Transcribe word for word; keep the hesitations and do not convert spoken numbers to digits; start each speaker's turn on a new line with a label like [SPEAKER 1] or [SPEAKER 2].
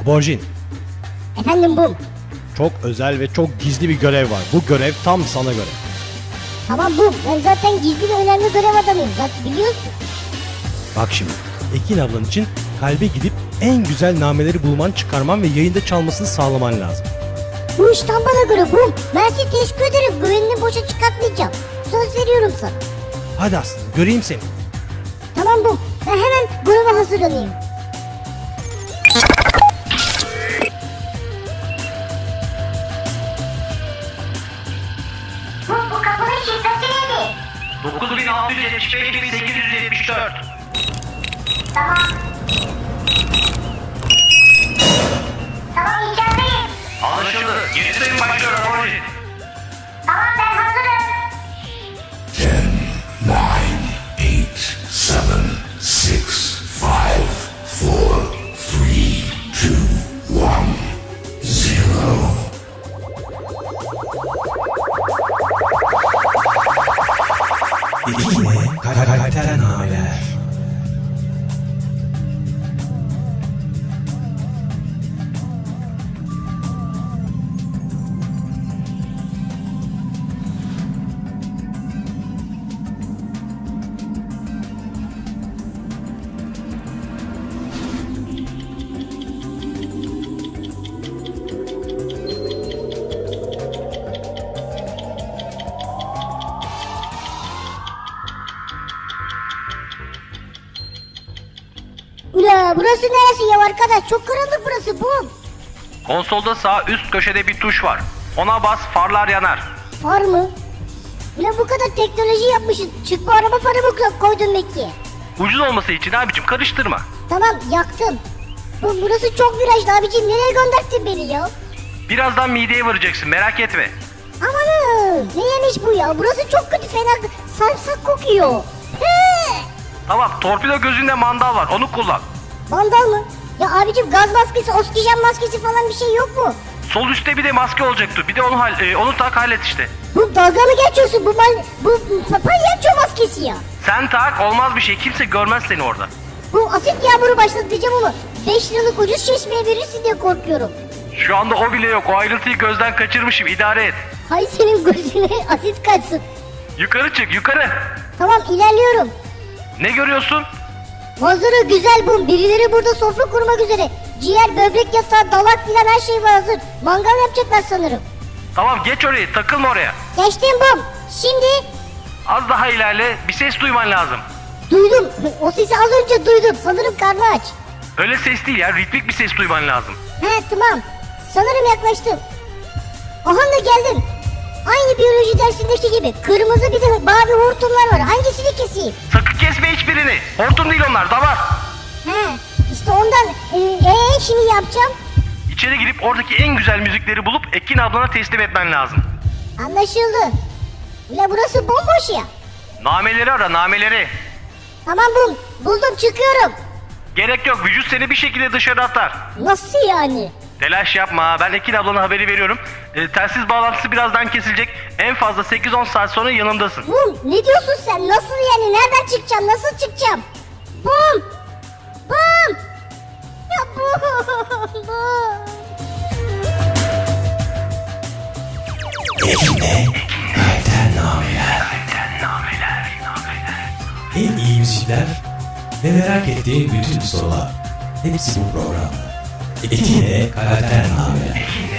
[SPEAKER 1] Borjin,
[SPEAKER 2] Efendim Bum.
[SPEAKER 1] çok özel ve çok gizli bir görev var. Bu görev tam sana göre.
[SPEAKER 2] Tamam Bum. Ben zaten gizli ve önemli görev adamıyım. Zaten biliyorsun.
[SPEAKER 1] Bak şimdi, Ekin ablan için kalbe gidip en güzel nameleri bulman, çıkarman ve yayında çalmasını sağlaman lazım.
[SPEAKER 2] Bu iş tam bana göre Bum. Ben size teşekkür ederim. Güvenini boşa çıkartmayacağım. Söz veriyorum sana.
[SPEAKER 1] Hadi Aslı, göreyim seni.
[SPEAKER 2] Tamam Bum. Ben hemen göreve hazırlanayım. Bum, bu kapının şifresi neydi?
[SPEAKER 3] dokuz bin altı yüz yetmiş beş bin sekiz yüz yetmiş dört.
[SPEAKER 2] Tamam. Tamam içerideyim.
[SPEAKER 3] Anlaşıldı. Yeni sayım başlıyor Borjin.
[SPEAKER 2] Tamam ben hazırım.
[SPEAKER 4] ten, nine, eight, seven, six, five, four, three, two, one, zero.
[SPEAKER 1] Yine karakter nameler.
[SPEAKER 2] Ula burası neresi ya arkadaş? Çok karanlık burası Bum.
[SPEAKER 3] Konsolda sağ üst köşede bir tuş var. Ona bas, farlar yanar.
[SPEAKER 2] Far mı? Ulan bu kadar teknoloji yapmışsın. Çıkma araba farı mı koydun Mekke'ye?
[SPEAKER 3] Ucuz olması için abicim karıştırma.
[SPEAKER 2] Tamam yaktım. Bu burası çok virajlı abicim. Nereye gönderdin beni ya?
[SPEAKER 3] Birazdan mideye varacaksın, merak etme.
[SPEAKER 2] Amanın ne yemiş bu ya? Burası çok kötü, fena sarımsak kokuyor. He!
[SPEAKER 3] Tamam, torpido gözünde mandal var, onu kullan.
[SPEAKER 2] Mandal mı? Ya abicim gaz maskesi, oksijen maskesi falan bir şey yok mu?
[SPEAKER 3] Sol üstte bir de maske olacaktı. Bir de onu hal, e, onu tak hallet işte.
[SPEAKER 2] Bu dalga mı geçiyorsun? Bu mal, bu palyaço maskesi ya.
[SPEAKER 3] Sen tak, olmaz bir şey. Kimse görmez seni orada.
[SPEAKER 2] Bu asit yağmuru başlatacağım ama beş liralık ucuz çeşmeye verirsin diye korkuyorum.
[SPEAKER 3] Şu anda o bile yok. O ayrıntıyı gözden kaçırmışım. İdare et.
[SPEAKER 2] Hay senin gözüne asit kaçsın.
[SPEAKER 3] Yukarı çık, yukarı.
[SPEAKER 2] Tamam ilerliyorum.
[SPEAKER 3] Ne görüyorsun?
[SPEAKER 2] Manzara güzel Bum. Birileri burada sofra kurmak üzere. Ciğer, böbrek yatağı, dalak filan her şey var hazır. Mangal yapacaklar sanırım.
[SPEAKER 3] Tamam, geç orayı. Takılma oraya.
[SPEAKER 2] Geçtim Bum. Şimdi
[SPEAKER 3] Az daha ilerle. Bir ses duyman lazım.
[SPEAKER 2] duydum. O sesi az önce duydum. Sanırım karnı aç.
[SPEAKER 3] Öyle ses değil ya. Ritmik bir ses duyman lazım.
[SPEAKER 2] He tamam. Sanırım yaklaştım. Aha da geldim. Aynı biyoloji dersindeki gibi. Kırmızı bir de mavi hortumlar var. Hangisini keseyim?
[SPEAKER 3] Sakın kesme hiçbirini. Hortum değil onlar. Damar.
[SPEAKER 2] He işte ondan. Ee, ee, şimdi yapacağım.
[SPEAKER 3] İçeri girip oradaki en güzel müzikleri bulup Ekin ablana teslim etmen lazım.
[SPEAKER 2] Anlaşıldı. Ula burası bomboş ya.
[SPEAKER 3] Nameleri ara, nameleri.
[SPEAKER 2] Tamam Bum. Buldum çıkıyorum.
[SPEAKER 3] Gerek yok. Vücut seni bir şekilde dışarı atar.
[SPEAKER 2] Nasıl yani?
[SPEAKER 3] Telaş yapma. Ben Ekin ablana haberi veriyorum. E, telsiz bağlantısı birazdan kesilecek. En fazla sekiz on saat sonra yanımdasın.
[SPEAKER 2] Bum ne diyorsun sen? Nasıl yani? Nereden çıkacağım? Nasıl çıkacağım? Bum! Bum! Ya Bum! Bum!
[SPEAKER 1] Ekin'e karakter nameler.
[SPEAKER 3] Nameler, nameler.
[SPEAKER 1] En iyi müzikler ve merak ettiğin bütün sorular. Hepsi bu programda. Ekin'e karakter nameler.